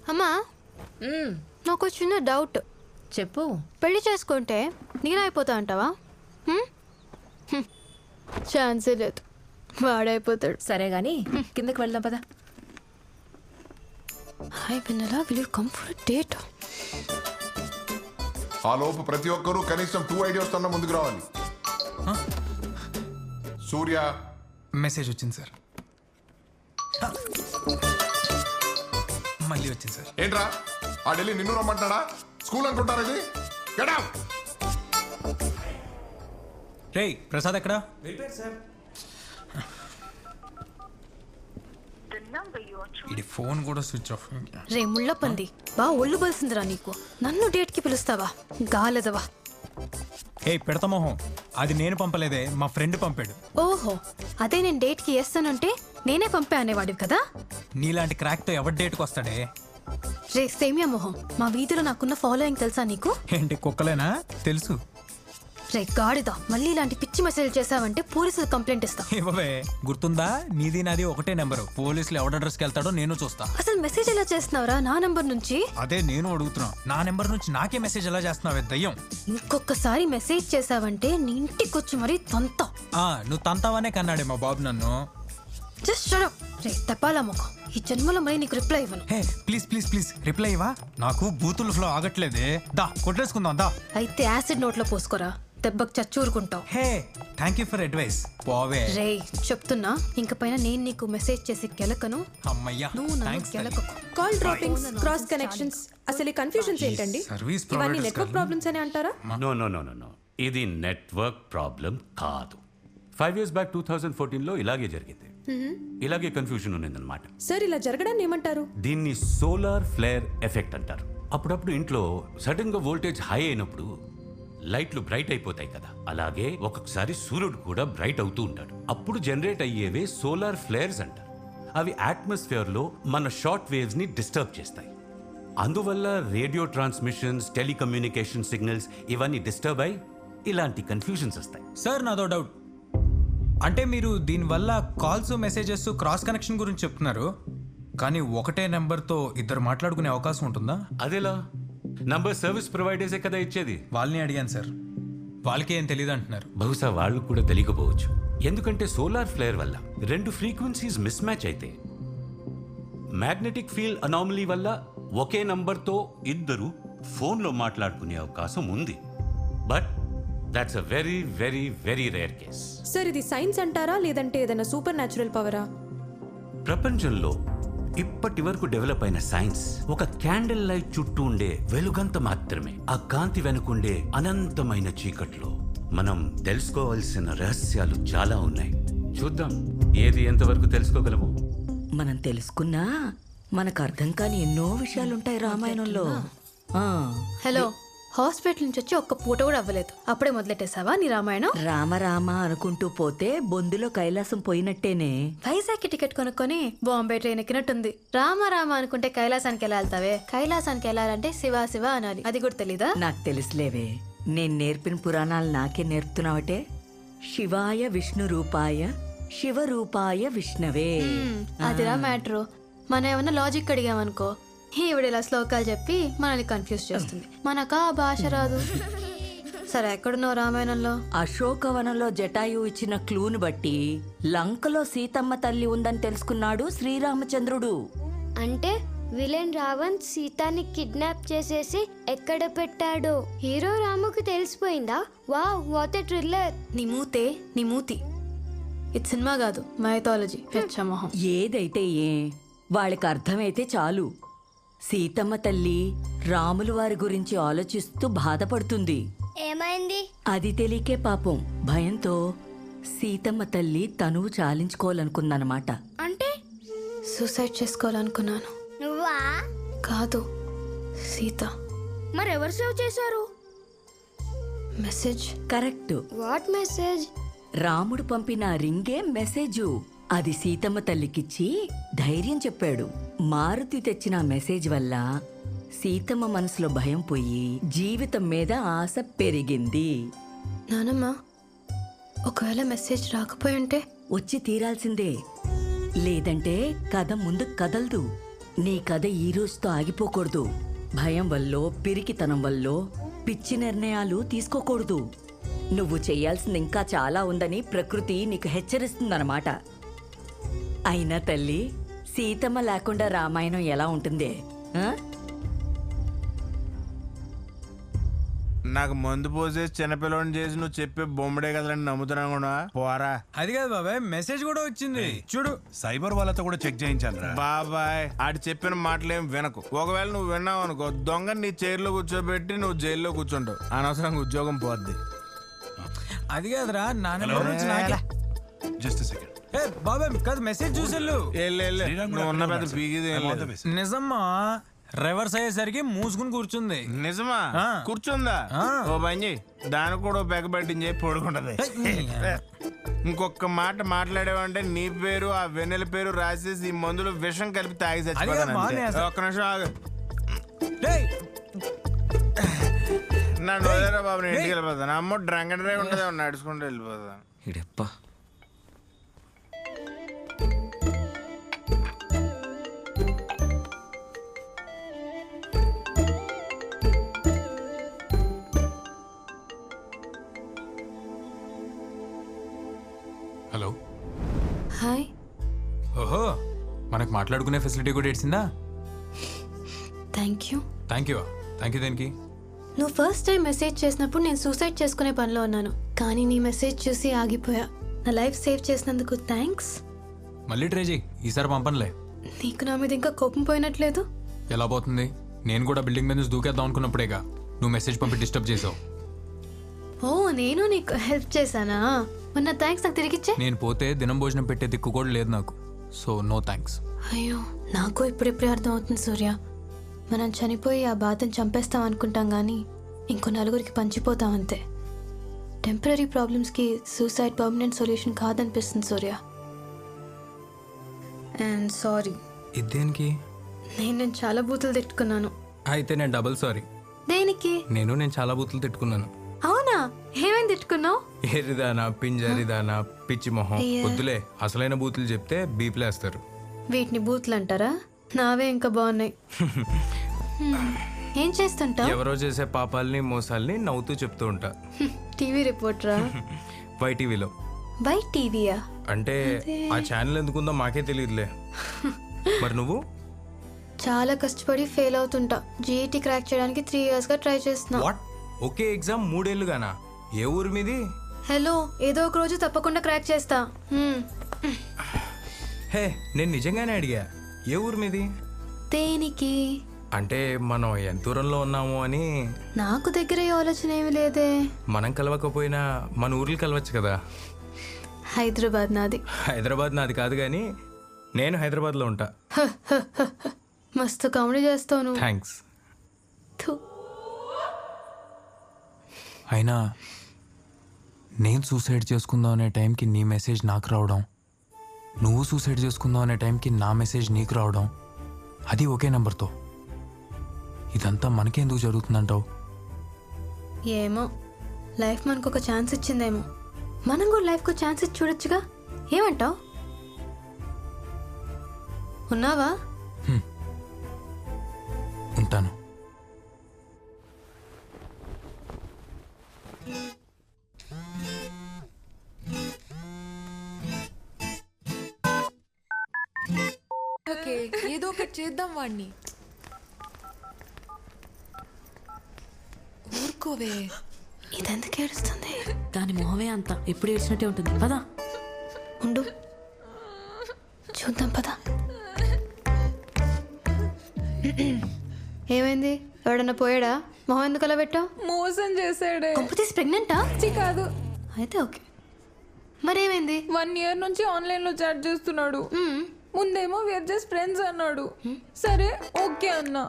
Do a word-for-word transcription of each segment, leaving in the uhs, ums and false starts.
అమ్మా నాకు చిన్న డౌట్. చెప్పు. పెళ్లి చేసుకుంటే నేనైపోతా అంటావా? ఛాన్సే లేదు, వాడైపోతాడు. సరే గాని కిందకి వెళ్దాం పదా. Hi Vennela, will you come for date? ఆ లోపు ప్రతి ఒక్కరూ కనీసం టూ ఐడియాస్ తన ముందుకు రావాలి. సూర్య మెసేజ్ వచ్చింది సార్. మళ్ళీ వచ్చింది సార్. ఏంట్రా ఆ ఢిల్లీ నిన్ను రమ్మంటాడా? స్కూల్ అనుకుంటారా ఇది? Get out. రేయ్ ప్రసాద్ ఎక్కడా? ఇది ఫోన్ కూడా స్విచ్ ఆఫ్. రే ముళ్ళ పంది, బా ఒళ్ళు బలిసిందిరా నీకు. నన్ను డేట్ కి పిలుస్తావా గాలదవా? ఏ పెడతా మొహం, అది నేను పంపలేదే, మా ఫ్రెండ్ పంపాడు. ఓహో, అదే నేను డేట్ కి వేస్తానంటే నేనే పంపే అనేవాడివి కదా. నీలాంటి క్రాక్ తో ఎవరి డేట్కి వస్తాడే? రే సేమియా మొహం, మా వీధిలో నాకున్న ఫాలోయింగ్ తెలుసా నీకు? ఏంటి కుక్కలేనా? తెలుసు. రే గాడిదా, మళ్ళీ ఇలాంటి పిచ్చి మెసేజ్ చేసావంటే పోలీసులు కంప్లైంట్ ఇస్తా. ఇవ్వవే, గుర్తుందా? నీది నాది ఒకటే నెంబరు. పోలీసులు ఎవడ అడ్రస్కి వెళ్తాడో నేను చూస్తా. అసలు మెసేజ్ ఎలా చేస్తున్నావురా నా నంబర్ నుంచి? అదే నేను అడుగుతున్నా, నా నెంబర్ నుంచి నాకే మెసేజ్ ఎలా చేస్తున్నావే దయ్యం? ఇంకొకసారి మెసేజ్ చేసావంటే నీ ఇంటికి వచ్చి మరీ తంతా. ఆ నువ్వు తంతావనే కన్నాడే మా బాబు నన్ను. Just shut up. రే తపాలా ముఖం, ఈ జన్మలో మరి నీకు రిప్లై ఇవ్వను. Hey please please please reply ఇవ్వా. నాకు బూతుల ఫ్లో ఆగట్లేదే. దా కొట్టేసుకుందాం దా. అయితే యాసిడ్ నోట్లో పోసుకోరా, దెబ్బకు చచ్చూరుకుంటావు. Hey thank you for advice. పోవే. రే చెప్తున్నా, ఇంక పైన నేను నీకు మెసేజ్ చేసి కెలకను. అమ్మయ్యా నువ్వు నన్ను కెలకకు. కాల్ డ్రాపింగ్స్, క్రాస్ కనెక్షన్స్, అసలు ఈ కన్ఫ్యూజన్స్ ఏంటండి? సర్వీస్ ఇవన్నీ నెట్వర్క్ ప్రాబ్లమ్స్ అని అంటారా? No no no no no ఇది నెట్వర్క్ ప్రాబ్లం కాదు. Five years back two thousand ఫోర్టీన్లో ఇలాగే జరిగింది. ఇలాగే కన్ఫ్యూజన్ ఉన్నదన్నమాట. సార్ ఇలా జరగడాన్ని ఏమంటారు? దీన్ని సోలార్ ఫ్లేర్ ఎఫెక్ట్ అంటారు. అప్పుడప్పుడు ఇంట్లో సడన్ గా వోల్టేజ్ హై అయినప్పుడు లైట్లు బ్రైట్ అయిపోతాయి కదా, అలాగే ఒక్కొక్కసారి సూర్యుడు కూడా బ్రైట్ అవుతూ ఉంటాడు. అప్పుడు జనరేట్ అయ్యేవే సోలార్ ఫ్లేర్స్ అంటారు. అవి అట్మాస్ఫియర్ లో మన షార్ట్ వేవ్స్ ని డిస్టర్బ్ చేస్తాయి. అందువల్ల రేడియో ట్రాన్స్మిషన్స్, టెలికమ్యూనికేషన్ సిగ్నల్స్ ఇవన్నీ డిస్టర్బ్ అయి ఇలాంటి కన్ఫ్యూజన్స్ వస్తాయి. సార్ నాదో డౌట్. అంటే మీరు దీనివల్ల కాల్స్ మెసేజెస్ క్రాస్ కనెక్షన్ గురించి చెప్తున్నారు, కానీ ఒకటే నెంబర్తో ఇద్దరు మాట్లాడుకునే అవకాశం ఉంటుందా? అదేలా? నంబర్ సర్వీస్ ప్రొవైడర్సే కదా ఇచ్చేది. వాళ్ళని అడిగాను సార్, వాళ్ళకి ఏం తెలియదు అంటున్నారు. బహుశా వాళ్ళు కూడా తెలియకపోవచ్చు. ఎందుకంటే సోలార్ ఫ్లేర్ వల్ల రెండు ఫ్రీక్వెన్సీస్ మిస్ మ్యాచ్ అయితే మ్యాగ్నెటిక్ ఫీల్డ్ అనామలీ వల్ల ఒకే నంబర్తో ఇద్దరు ఫోన్లో మాట్లాడుకునే అవకాశం ఉంది. But that's a very very very rare case. Sir ఇది సైన్స్ అంటారా లేదంటే ఏదైనా సూపర్ న్యాచురల్ పవరా? ప్రపంచంలో ఇప్పటి వరకు డెవలప్ అయిన సైన్స్ ఒక క్యాండిల్ లైట్ చుట్టూ ఉండే వెలుగంత మాత్రమే. ఆ కాంతి వెనుకుండే అనంతమైన చీకట్లో మనం తెలుసుకోవాల్సిన రహస్యాలు చాలా ఉన్నాయి. చూద్దాం ఏది ఎంతవరకు తెలుసుకోగలము. మనం తెలుసుకున్నా మనకు అర్థం కాని ఎన్నో విషయాలుంటాయి రామాయణంలో. హలో, హాస్పిటల్ నుంచి వచ్చి ఒక్క పూట కూడా అవ్వలేదు, అప్పుడే మొదలెట్టేసావా నీ రామాయణం? రామ రామ అనుకుంటూ పోతే బొందులో కైలాసం పోయినట్టేనే. వైజాగ్ టికెట్ కొనుక్కొని బాంబే ట్రైన్ ఎక్కినట్టుంది. రామ రామ అనుకుంటే కైలాసానికి ఎలా వెళ్తావే? కైలాసానికి వెళ్ళాలంటే శివ శివ అనాలి, అది కూడా తెలీదా? నాకు తెలుసులేవే, నేను నేర్పిన పురాణాలు నాకే నేర్పుతున్నావటే. శివాయ విష్ణు రూపాయ శివరూపాయ విష్ణవే. అదిరా మ్యాటరు. మనం ఏమన్నా లాజిక్ అడిగామనుకో, ఈవిడ ఇలా శ్లోకాలు చెప్పి మనల్ని కన్ఫ్యూజ్ చేస్తుంది. మనకా భాష రాదు. సరే ఎక్కడున్నావు రామాయణంలో? అశోకవనంలో జటాయు ఇచ్చిన క్లూను బట్టి లంకలో సీతమ్మ తల్లి ఉందని తెలుసుకున్నాడు శ్రీరామచంద్రుడు. అంటే విలన్ రావణ్ సీతాని కిడ్నాప్ చేసేసి ఎక్కడ పెట్టాడో హీరో రాముకి తెలిసిపోయిందా? Wow, what a thriller. నీ మూతే నీ మూతి. ఇది సినిమా కాదు, మైథాలజీ. హెచ్చమోహం. ఏదైతే ఏ వాళ్ళకి అర్థమైతే చాలు. సీతమ్మ తల్లి రాములు వారి గురించి ఆలోచిస్తూ బాధపడుతుంది. ఏమైంది? అది తెలియకే పాపం భయంతో సీతమ్మ తల్లి తనువు చాలించుకోవాలనుకుందనమాట. అంటే సూసైడ్ చేసుకోవాలనుకున్నాను. నువ్వా? కాదు, సీత. మరెవరు సేవ్ చేశారు? మెసేజ్. కరెక్ట్. What message? రాముడు పంపిన రింగే మెసేజు. అది సీతమ్మ తల్లికిచ్చి ధైర్యం చెప్పాడు. మారుతి తెచ్చిన మెసేజ్ వల్ల సీతమ్మ మనసులో భయం పోయి జీవితం మీద ఆశ పెరిగింది. నానమ్మ, ఒకవేళ మెసేజ్ రాకపోయి ఉంటే? వచ్చి తీరాల్సిందే, లేదంటే కథ ముందు కదలదు. నీ కథ ఈ రోజుతో ఆగిపోకూడదు. భయం వల్లో పిరికితనం వల్లో పిచ్చి నిర్ణయాలు తీసుకోకూడదు. నువ్వు చేయాల్సింది ఇంకా చాలా ఉందని ప్రకృతి నీకు హెచ్చరిస్తుందన్నమాట. అయినా తల్లి, సీతమ్మ లేకుండా రామాయణం ఎలా ఉంటుంది? ఆ? నాకు మందు పోసేసి చిన్నపిల్లని చేసి నువ్వు చెప్పే బొమ్మడే కదండి నమ్ముతున్నా కూడా పోరా. అది కాదు బాబాయ్, మెసేజ్ కూడా వచ్చింది చూడు. సైబర్ వాళ్ళతో కూడా చెక్ చేయించాను రా. బాబాయ్ ఆడి చెప్పిన మాటలేం వినకు. ఒకవేళ నువ్వు విన్నావు అనుకో, దొంగ నీ చైర్లో కూర్చోబెట్టి నువ్వు జైల్లో కూర్చుంటావు. అనవసరంగా ఉద్యోగం పోద్ది. అది కాదురా నాన్న. Just second. ఏ బాబాయ్ కాదు, మెసేజ్ చూసేళ్ళు. వెళ్ళు, వెళ్ళు. నువ్వు ఉన్న పెద్ద పీకిది ఏం లేదు. నిజమ్మా, రివర్స్ అయ్యేసరికి మూసుకుని కూర్చుంది. నిజమా? ఆ. కూర్చుందా? ఆ. ఓ పని చేయి, దానికి కూడా పెగ పెట్టించి పడుకుంటది. ఇంకొక మాట మాట్లాడేవంటే నీ పేరు ఆ వెన్నెల పేరు రాసేసి ఈ మందులు విషం కలిపి తాగి చచ్చిపోతాను. ఒక్క నిమిషం ఆగు. నన్ను వదిలేరా బాబు, నేను ఇంటికి వెళ్ళిపోతాను. అమ్మ డ్రంక్ అండ్ డ్రైవ్ ఉంటుంది, నడుచుకుంటూ వెళ్ళిపోతాను. ఇడప్ప హలో. హాయ్. ఓహో, మనకు మాట్లాడుకునే ఫెసిలిటీ కూడా ఇచ్చిందా? Thank you. Thank you. Thank you దేనికి? నువ్వు ఫస్ట్ టైం మెసేజ్ చేసినప్పుడు నేను సూసైడ్ చేసుకునే పనిలో ఉన్నాను, కానీ నీ మెసేజ్ చూసి ఆగిపోయా. నా లైఫ్ సేవ్ చేసినందుకు థ్యాంక్స్. మళ్ళీ ట్రై చేయి, ఈసారి పంపనులే. నీకు నా మీద ఇంకా కోపం పోయినట్లేదు? ఎలా పోతుంది? నేను కూడా బిల్డింగ్ మీద నుంచి దూకేద్దాం అనుకున్నప్పుడేగా నువ్వు మెసేజ్ పంపి డిస్టర్బ్ చేసావు. ఓ, నేను నీకు హెల్ప్ చేశానా? మొన్న థ్యాంక్స్ నాకు తిరిగిచ్చే. నేను పోతే దినం భోజనం పెట్టే దిక్కు కూడా లేదు నాకు, సో నో థ్యాంక్స్. అయ్యో, నాకు ఇప్పుడిప్పుడే అర్థం అవుతుంది సూర్య. మనం చనిపోయి ఆ బాధను చంపేస్తాం అనుకుంటాం కానీ ఇంకో నలుగురికి పంచిపోతాం అంతే. టెంపరీ ప్రాబ్లమ్స్కి సూసైడ్ పర్మనెంట్ సొల్యూషన్ కాదనిపిస్తుంది సూర్య. And sorry. ఇదేనికి? నేను నేను చాలా బూతులు తిట్టుకున్నాను. అయితే నేను డబుల్ సారీ. దేనికి? నేను నేను చాలా బూతులు తిట్టుకున్నాను. అవునా? ఏమేమి తిట్టుకున్నావు? ఏరిదానా, పింజరిదానా, పిచ్చి మొహం. అయ్యా. వద్దులే, అసలైన బూతులు చెప్తే బీప్లేస్తారు. వీటిని బూతులు అంటారా? నావే ఇంకా బాగున్నాయి. హ్మ్. ఏం చేస్తుంటావు? ఎవరో చేసే పాపాలని మోసాలని నవ్వుతూ చెప్తూ ఉంటా. టీవీ రిపోర్టరా? వైటీవీలో. బై టీవీయా? అంటే ఆ ఛానల్ ఎందుకుందో మాకే తెలియదులే. మరి నువ్వు? చాలా కష్టపడి ఫెయిల్ అవుతుంటా. జీఈటీ క్రాక్ చేయడానికి త్రీ ఇయర్స్ గా ట్రై చేస్తున్నా. వాట్? ఒకే ఎగ్జామ్ మూడేళ్లుగానా? ఏ ఊరు మీది? హలో, ఏదో ఒక రోజు తప్పకుండా క్రాక్ చేస్తా. హ్మ్. హే, నేను నిజంగానే అడిగా, ఏ ఊరు మీది? దేనికి? అంటే మనం ఎంత దూరంలో ఉన్నాము అని. నాకు దగ్గర ఈ ఆలోచన ఏమి లేదే. మనం కలవకపోయినా మన ఊర్లు కలవచ్చు కదా. హైదరాబాద్ నాది. హైదరాబాద్ నాది కాదు కానీ నేను హైదరాబాద్లో ఉంటా. మస్తు కామెడీ చేస్తావు నువ్వు. థ్యాంక్స్. థు. అయినా నేను సూసైడ్ చేసుకుందాం అనే టైంకి నీ మెసేజ్ నాకు రావడం, నువ్వు సూసైడ్ చేసుకుందాం అనే టైంకి నా మెసేజ్ నీకు రావడం, అది ఒకే నెంబర్తో. ఇదంతా మనకెందుకు జరుగుతుందంటావు? ఏమో, లైఫ్ మనకు ఒక ఛాన్స్ ఇచ్చిందేమో. మనం కూడా లైఫ్కు ఛాన్స్ ఇచ్చి చూడొచ్చుగా. ఏమంటావు? ఉన్నావా? ఉంటాను. ఓకే, ఏదో ఒకటి చేద్దాం వాడిని. ఊరుకోవే. ఇదెందుకు ఏడుస్తుంది? దాని మొహమే అంత ఎప్పుడు ఏడ్చినట్టే ఉంటుంది. పదా ఉండు, చూద్దాం పదా. ఏమైంది? ఎవడన్నా పోయాడా? మొహం ఎందుకు అలా పెట్టావు? మోసం చేశాడే. కంపెనీస్ ప్రెగ్నెంటా? కాదు. అయితే ఓకే. మరేమైంది? వన్ ఇయర్ నుంచి ఆన్లైన్ లో చాట్ చేస్తున్నాడు. ముందేమో వేర్ జస్ట్ ఫ్రెండ్స్ అన్నాడు. సరే ఓకే అన్నా.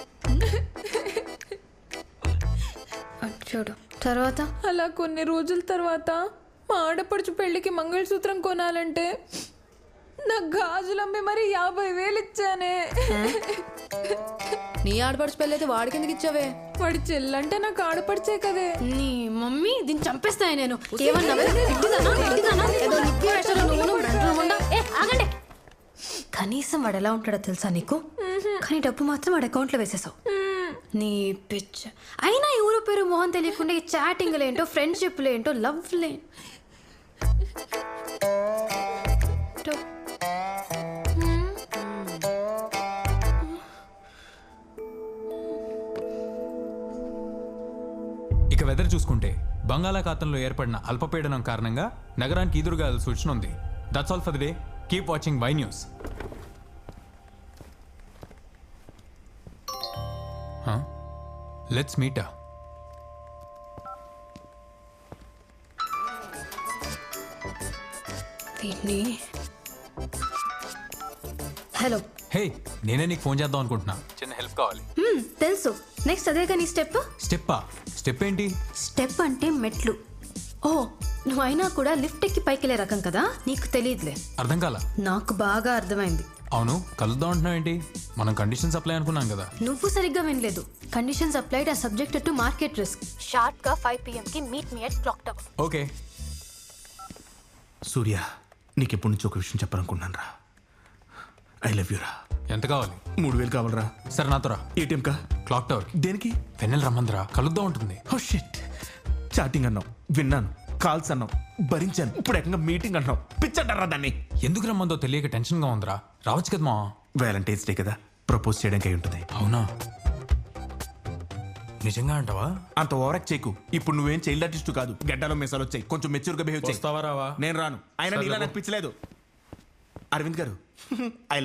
చూడు తర్వాత. అలా కొన్ని రోజుల తర్వాత మా ఆడపడుచు పెళ్లికి మంగళసూత్రం కొనాలంటే నాకు గాజులమ్మి మరి యాభై వేలు ఇచ్చానే. నీ ఆడపడుచు పెళ్ళి అయితే వాడికి ఎందుకు ఇచ్చావే? వాడి చెల్లంటే నాకు ఆడపడిచే కదే. నీ మమ్మీ దీన్ని చంపేస్తాయి నేను. ఏమన్నా? కనీసం వాడు ఎలా ఉంటాడో తెలుసా నీకు? కానీ డబ్బు మాత్రం వాడి అకౌంట్లో వేసేసావు. నీ పిచ్చ. అయినా ఎవరో పేరు మొహం తెలియకుండా ఈ చాటింగ్లు ఏంటో, ఫ్రెండ్షిప్లు ఏంటో, లవ్లే. ఇక వెదర్ చూసుకుంటే బంగాళాఖాతంలో ఏర్పడిన అల్పపీడనం కారణంగా నగరానికి ఈదురుగాలు సూచన ఉంది. That's all for the day. Keep watching Y news. Let's meet. Hello. Hey, నేనే నీకు ఫోన్ చేద్దాం అనుకుంటున్నా. చిన్న హెల్ప్ కావాలి. తెలుసు. నెక్స్ట్ అదే కానీ స్టెప్. స్టెప్పా? స్టెప్ ఏంటి? స్టెప్ అంటే మెట్లు. ఓ, నువ్వు అయినా కూడా లిఫ్ట్ ఎక్కి పైకిలే రకం కదా, నీకు తెలియదులే. అర్థం కాల? నాకు బాగా అర్థమైంది. అవును, కలుద్దాం అంటున్నావు ఏంటి? మనం కండిషన్స్ అప్లై అనుకున్నాం కదా. నువ్వు సరిగ్గా వినలేదు. Conditions applied are subjected to market risk. Sharp గా ఫైవ్ పిఎం కి meet me at clock tower. Okay. Surya, నీకెప్పటి నుంచి ఒక విషయం చెప్పాలనుకున్నాను రా. ఐ లవ్ యూ రా. ఎంత కావాలి? మూడు వేలు కావాలరా. సరే, నాతో రా. ఏటీఎం కా? Clock tower. దేనికి? వెన్నెల రమ్మందిరా, కలుద్దాం ఉంటుంది. Oh shit. చాటింగ్ అన్నావు, విన్నాను. కాల్స్ అన్నావు, భరించాను. ఇప్పుడు ఏకంగా మీటింగ్ అన్నావు. పిచ్చంటారా దాన్ని? ఎందుకు రమ్మందో తెలియక టెన్షన్ గా ఉందిరా. రావచ్చు కదా మా. వ్యాలంటైన్స్ డే కదా, ప్రపోజ్ చేయడానికి అయి ఉంటుంది. అవునా? నిజంగా అంటావా? అంత ఓవరాక్ట్ చేయకు. ఇప్పుడు నువ్వేం చైల్డ్ ఆర్టిస్ట్ కాదు. గడ్డలో మీసాలు వచ్చాయి. కొంచెం మెచ్యూర్ గా బిహేవ్ చేస్తావా? రావా? నేను రాను. అయినా నీలా నాకు పిచ్చలేదు. అరవింద్ గారు, ఐ